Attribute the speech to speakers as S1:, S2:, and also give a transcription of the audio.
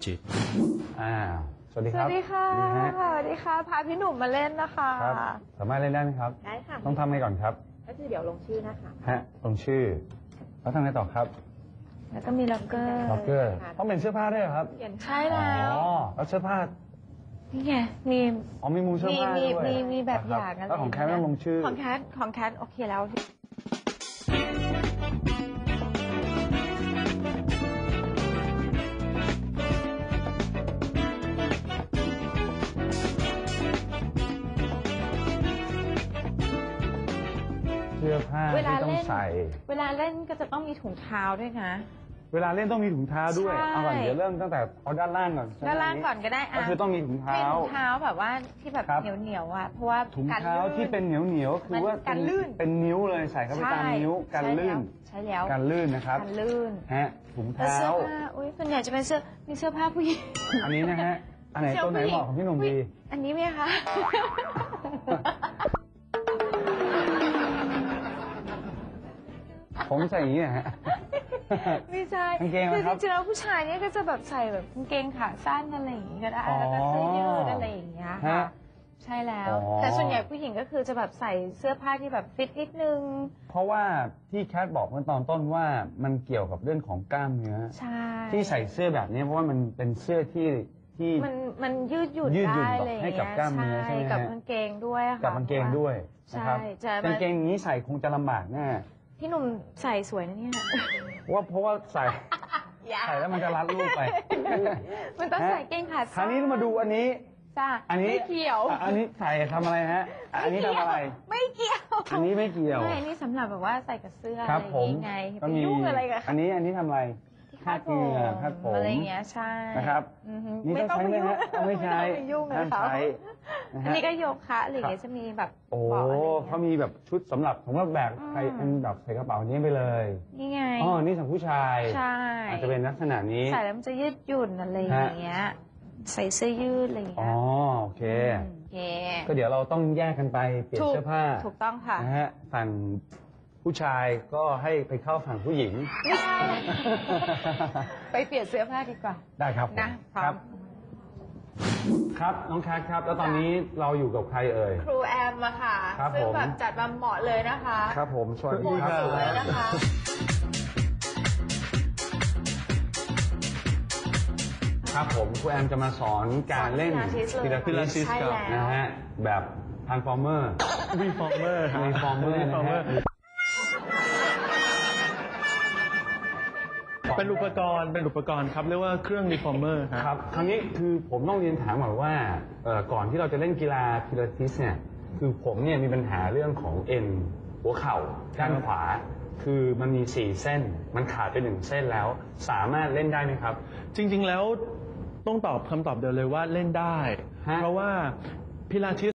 S1: จิต
S2: สวัสดีครับ
S3: สวัสดีค่ะสวัสดีค่ะพาพี่หนุ่มมาเล่นนะคะ
S2: ครับสามารถเล่นได้ไหมครับ
S3: ได้ค่ะ
S2: ต้องทำไงก่อนครับ
S3: ก็คือเดี๋ยวลงชื่อนะคะ
S2: ลงชื่อแล้วทำไงต่อครับ
S3: แล้วก็มีล็อกเกอร์
S2: ต้องเป็นเสื้อผ้าด้วยครับ
S3: ใช่แล้ว
S2: แล้วเสื้อผ้า
S3: นี่ไงมี
S2: มูเสื้อผ้าด้วย
S3: มีแบบอย่างอะไร
S2: แล้วของแคทต้องลงชื่อ
S3: ของแคทโอเคแล้ว
S2: เสื้อผ้าที่ต้องใส่
S3: เวลาเล่นก็จะต้องมีถุงเท้าด้วยนะ
S2: เวลาเล่นต้องมีถุงเท้าด้วยเอาก่อนเดี๋ยวเริ่มตั้งแต่เอาด้านล่างก่อน
S3: ด้านล่างก่อนก็ได้
S2: ก็คือต้องมีถุงเท้า
S3: ถุงเท้าแบบว่าที่แบบเหนียวอ่ะเพราะว่า
S2: ถุงเท้าที่เป็นเหนียวคือว่า
S3: กันลื่น
S2: เป็นนิ้วเลยใส่เข้าไปตามนิ้วกันลื่น
S3: ใช่แล้ว
S2: กันลื่นนะครับ
S3: กันลื่น
S2: ถุงเท้า
S3: เสื้อผ้าส่วนใหญ่จะเป็นมีเสื้อผ้าผู้หญิง
S2: อันนี้นะฮะอันไหนตัวไหนเหมาะของพี่หนุ่มดี
S3: อันนี้ไหมคะ
S2: ผมใส่อย่างนี้ฮะ
S3: ไม่ใช่คือจริงๆแล้วผู้ชายเนี่ยก็จะแบบใส่แบบกางเกงขาสั้นอะไรอย่างงี้ก็ได้แล้วก็เสื้อยืดอะไรอย่างเงี้ยค่ะใช่แล้วแต่ส่วนใหญ่ผู้หญิงก็คือจะแบบใส่เสื้อผ้าที่แบบฟิตนิดนึง
S2: เพราะว่าที่แคทบอกเมื่อตอนต้นว่ามันเกี่ยวกับเรื่องของกล้ามเนื้อ
S3: ใช่
S2: ที่ใส่เสื้อแบบนี้เพราะว่ามันเป็นเสื้อที่
S3: มันยืดหยุ่นได้เลย
S2: ให้กับกล้ามเนื้อใช่ไหม
S3: กับกางเกงด้วยค่ะ
S2: กับกางเกงด้วยนะครับกางเกงนี้ใส่คงจะลำบากแน่
S3: พี่หนุ่มใส่สวยนะเนี่ย
S2: เพราะว่าใส่แล้วมันจะรัดรูปไป
S3: มันต้องใส่เกงขาสั้น
S2: คราวนี้มาดูอันนี้
S3: อันนี้ไม่เกี่ยว
S2: อันนี้ใส่ทำอะไรฮะอันนี้ทำอะไร
S3: ไม่เกี่ยว
S2: อันนี้ไม่เกี่ยว
S3: ไม่อันนี้สำหรับแบบว่าใส่กับเสื้ออะไรยังไง
S2: ก็มี
S3: อะไรกัน
S2: อันนี้ทำอะไรคาดเหงื่อคาดผม
S3: อะไรเงี้ยใช่
S2: นะครับนี่ต้องใช้ไหมฮะไม่ใช้
S3: ห้ามใช้อันนี้ก็โยคะอะไรเงี้ยจะมีแบบ
S2: เขามีแบบชุดสำหรับแบกใครเป็นแบบใส่กระเป๋านี้ไปเลย
S3: นี่ไง
S2: นี่สำหรับผู้ชาย
S3: ใช่
S2: อาจจะเป็นลักษณะนี้
S3: ใส่แล้วมันจะยืดหยุ่นอะไรอย่างเงี้ยใส่เสื้อยืดอะไรอย่างเงี้ย
S2: โอเคก็เดี๋ยวเราต้องแยกกันไปเปลี่ยนเสื้อผ้า
S3: ถูกต้องค่ะ
S2: นะฮะฝั่งผู้ชายก็ให้ไปเข้าฝั่งผู้หญิง
S3: ไม่ใช่ไปเปลี่ยนเสื้อผ้าดีกว่า
S2: ได้ครับนะครับน้องแคทครับแล้วตอนนี้เราอยู่กับใครเอ่ย
S3: ครูแอมอะค่ะซึ่งแบบจัดมาเหมาะเลยนะคะ
S2: ครับผมสวัสดีครับ
S3: สวยนะคะ
S2: ครับผมครูแอมจะมาสอนการเล่นพิลาทิสนะฮะแบบทรานส์ฟอร์เมอร์
S1: รีฟอร์เมอร์เป็นอุปกรณ์ครับเรียกว่าเครื่องรีฟอร์เมอร์
S2: ครับคราวนี้คือผมต้องเรียนถามหน่อยว่าก่อนที่เราจะเล่นกีฬาพิลาทิสเนี่ยคือผมเนี่ยมีปัญหาเรื่องของเอ็นหัวเข่าด้านขวาคือมันมี4เส้นมันขาดไป1เส้นแล้วสามารถเล่นได้ไหมครับ
S1: จริงๆแล้วต้องตอบคำตอบเดียวเลยว่าเล่นได้เพราะว่าพิลาทิส